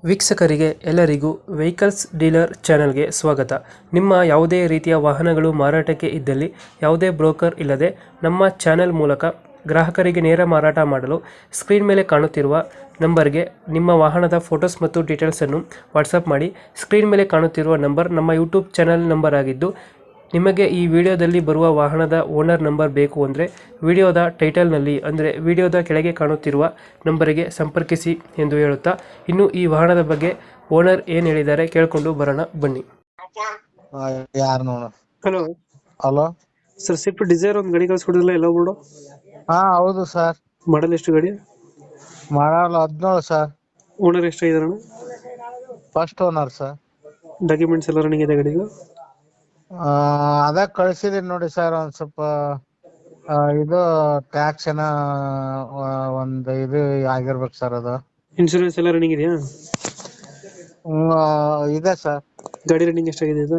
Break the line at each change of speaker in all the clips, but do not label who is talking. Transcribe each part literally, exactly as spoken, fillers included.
ವೀಕ್ಷಕರಿಗೆ ಎಲ್ಲರಿಗೂ vehicles dealer ಚಾನೆಲ್ಗೆ ಸ್ವಾಗತ. ನಿಮ್ಮ ಯಾವುದೇ ರೀತಿಯ ವಾಹನಗಳು ಮಾರಾಟಕ್ಕೆ ಇದ್ದಲ್ಲಿ ಯಾವುದೇ ಬ್ರೋಕರ್ ಇಲ್ಲದೆ ನಮ್ಮ ಚಾನೆಲ್ ಮೂಲಕ ಗ್ರಾಹಕರಿಗೆ ನೇರ ಮಾರಾಟ ಮಾಡಲು ಸ್ಕ್ರೀನ್ ಮೇಲೆ ಕಾಣುತ್ತಿರುವ ನಂಬರ್ಗೆ ನಿಮ್ಮ ವಾಹನದ ಫೋಟೋಸ್ ಮತ್ತು ಡೀಟೇಲ್ಸನ್ನು ವಾಟ್ಸಪ್ ಮಾಡಿ. ಸ್ಕ್ರೀನ್ ಮೇಲೆ ಕಾಣುತ್ತಿರುವ ನಂಬರ್ ನಮ್ಮ ಯೂಟ್ಯೂಬ್ ಚಾನೆಲ್ ನಂಬರ್ ಆಗಿದ್ದು, ನಿಮಗೆ ಈ ವಿಡಿಯೋದಲ್ಲಿ ಬರುವ ವಾಹನದ ಓನರ್ ನಂಬರ್ ಬೇಕು ಅಂದರೆ ವಿಡಿಯೋದ ಟೈಟಲ್ನಲ್ಲಿ ಅಂದರೆ ವಿಡಿಯೋದ ಕೆಳಗೆ ಕಾಣುತ್ತಿರುವ ನಂಬರಿಗೆ ಸಂಪರ್ಕಿಸಿ ಎಂದು ಹೇಳುತ್ತಾ, ಇನ್ನು ಈ ವಾಹನದ ಬಗ್ಗೆ ಓನರ್ ಏನು ಹೇಳಿದ್ದಾರೆ ಕೇಳಿಕೊಂಡು ಬರೋಣ ಬನ್ನಿ.
ಯಾರು ನೋಡ.
Hello
hello
sir, swift Dzire ಒಂದು ಗಾಡಿ ಕಳಿಸ್ಕೊಡಿರಲ್ಲ, ಎಲ್ಲ ಬೋರ್ಡು
ಹಾ ಹೌದು ಸರ್.
ಮಾಡಲ್ ಎಷ್ಟು ಗಾಡಿ?
ಮಾಡಲ್ ಹದಿನೇಳು ಸರ್.
ಓನರ್ ಎಷ್ಟಾಗಿದಾರಣ?
First owner sir.
ಡಾಕ್ಯುಮೆಂಟ್ಸ್ ಎಲ್ಲ ರನ್ನಿಂಗ್ ಇದೆ ಗಾಡಿಗೆ?
ಅದ ಕಳ್ಸಿದೀನಿ ನೋಡಿ ಸರ್. ಒಂದ್ ಸ್ವಲ್ಪ ಆ, ಇದು ಟ್ಯಾಕ್ಸ್ ಏನ ಆ, ಒಂದ್ ಇದು ಆಗಿರ್ಬೇಕು ಸರ್. ಅದು
ಇನ್ಶೂರೆನ್ಸ್ ಎಲ್ಲ ರನ್ನಿಂಗ್ ಇದೆಯಾ?
ಹ್ಮ್, ಆ, ಇದೆ ಸರ್.
ಗಾಡಿ ರನ್ನಿಂಗ್ ಎಷ್ಟಾಗಿದೆ ಇದು?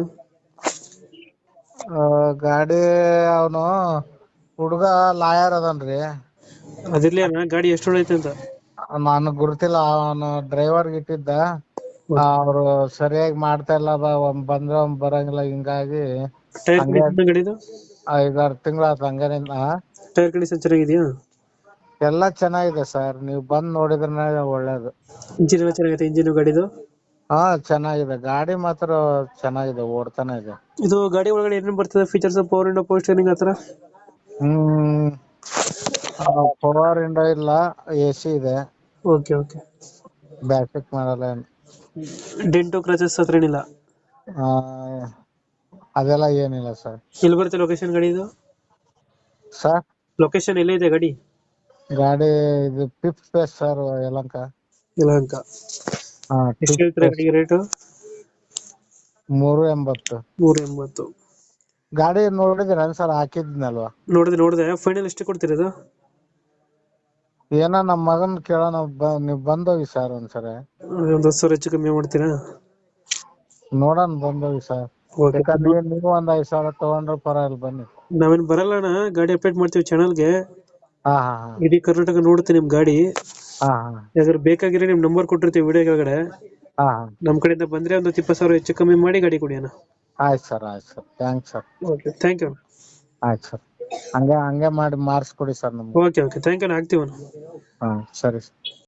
ಆ, ಗಾಡಿ ಅವನು ಹುಡುಗ ಲಾಯರ್ ಅದನ್ರಿ.
ಅದಿರ್ಲಿ ಅಣ್ಣ, ಗಾಡಿ ಎಷ್ಟು ಹೊಡೈತೆ ಅಂತ?
ನಾನು ಗುರುತಿಲ್ಲ. ಅವನು ಡ್ರೈವರ್ ಇಟ್ಟಿದ್ದ. ಅವ್ರು ಸರಿಯಾಗಿ ಮಾಡ್ತಾ ಇಲ್ಲ, ಬ- ಒಮ್ಮೆ ಬಂದ್ರೆ ಒಮ್ಮೆ ಬರಂಗಿಲ್ಲ. ಹಿಂಗಾಗಿ
ಟೈರ್
ಹಂಗೆ
ಕಂಡೀಷನ್ ಗಾಡಿದು?
ಐದಾರು ತಿಂಗಳ ಆತ ಹಂಗೇನಿಲ್ಲ.
ಟೈರ್ ಕಂಡೀಷನ್ ಚೆನ್ನಾಗಿದೆಯಾ?
ಎಲ್ಲ ಚೆನ್ನಾಗಿದೆ ಸರ್. ನೀವು ಬಂದ್ ನೋಡಿದ್ರೆ ಒಳ್ಳೇದು.
ಇಂಜಿನ್ ಎಲ್ಲ ಚೆನ್ನಾಗೈತೆ? ಇಂಜಿನ್ ಗಾಡಿದು
ಹಾ ಚೆನ್ನಾಗಿದೆ. ಗಾಡಿ ಮಾತ್ರ ಚೆನ್ನಾಗಿದೆ, ಓಡ್ತಾನೆ ಇದೆ.
ಇದು ಗಾಡಿ ಒಳಗಡೆ ಏನೇನು ಬರ್ತದೆ features? Power window, power steering ಆತರ?
ಹ್ಮ್ ಪವರ್ ವಿಂಡೋ ಇಲ್ಲ, ಎ ಸಿ ಇದೆ.
Okay okay.
ಬ್ಯಾಕ್ ಮಾಡಲ್ಲ ಏನು.
ಡೆಂಟು ಕ್ರಚಸ್ ಹತ್ರ ಏನಿಲ್ಲ?
ಆ, ಅದೆಲ್ಲ ಏನಿಲ್ಲ ಸರ್.
ಎಲ್ಲಿ ಬರುತ್ತೆ ಲೊಕೇಶನ್ ಗಾಡಿ ಇದು?
ಸರ್
ಲೊಕೇಶನ್ ಎಲ್ಲಿದೆ ಗಾಡಿ?
ಗಾಡಿ ಇದು fifth phase sir, Yelahanka.
Yelahanka.
ಹಾ,
ಎಷ್ಟು
fifth
ಹೇಳ್ತಾರೆ
phase.
ಗಾಡಿಗೆ ರೇಟು?
ಮೂರು ಎಂಬತ್ತು.
ನೂರ ಎಂಬತ್ತು.
ಗಾಡಿ ನೋಡಿದಿರ ಸರ್? ಹಾಕಿದ್ನಲ್ವಾ?
ನೋಡಿದೆ ನೋಡಿದೆ. ಫೈನಲ್ ಎಷ್ಟು ಕೊಡ್ತೀರಿ ಇದು?
ಏನೋ ನಮ್ಮ ಮಗನ್ ಕೇಳೋಣ, ಬ- ನೀವ್ ಬಂದೋಗಿ ಸರ್ ಒಂದ್ಸರಿ.
ಒಂದು ಹತ್ತು ಸಾವಿರ ಹೆಚ್ಚು ಕಮ್ಮಿ ಮಾಡ್ತೀರಾ?
ನೋಡೋಣ, ಬಂದೋಗಿ ಸರ್.
ಓಕೆ.
ಯಾಕಂದ್ರೆ ನೀವು ಒಂದ್ ಐದ್ ಸಾವಿರ ತಗೊಂಡ್ರೆ ಪರವಾಗಿಲ್ಲ, ಬನ್ನಿ.
ನಾವೇನ್ ಬರಲ್ಲ ಅಣ್ಣ, ಗಾಡಿ ಅಪ್ಡೇಟ್ ಮಾಡ್ತೀವಿ ಚಾನಲ್ಗೆ.
ಹಾ ಹಾ ಹಾ
ಇಡೀ ಕರ್ನಾಟಕ ನೋಡುತ್ತೆ ನಿಮ್ ಗಾಡಿ.
ಹಾ ಹಾ
ಯಾವ್ದಾದ್ರು ಬೇಕಾಗಿರೋ ನಿಮ್ ನಂಬರ್ ಕೊಟ್ಟಿರ್ತೀವಿ ವಿಡಿಯೋ ಕೆಳಗಡೆ.
ಹಾ
ನಮ್ ಕಡೆಯಿಂದ ಬಂದ್ರೆ ಒಂದು ಇಪ್ಪತ್ತು ಸಾವಿರ ಹೆಚ್ಚು ಕಮ್ಮಿ ಮಾಡಿ ಗಾಡಿ ಕೊಡಿ ಅಣ್ಣ.
ಆಯ್ತು ಸರ್, ಆಯ್ತು sir. Thanks sir.
Okay, thank you.
ಆಯ್ತು ಸರ್. ಹಂಗೆ ಹಂಗೆ ಮಾಡಿ ಮಾರ್ಸ್ಕೊಡಿ ಸರ್ ನಮ್ಗೆ.
Okay okay, thank you. ಆಗ್ತೀವಣ್ಣ.
ಹಾ ಸರಿ ಸರ್.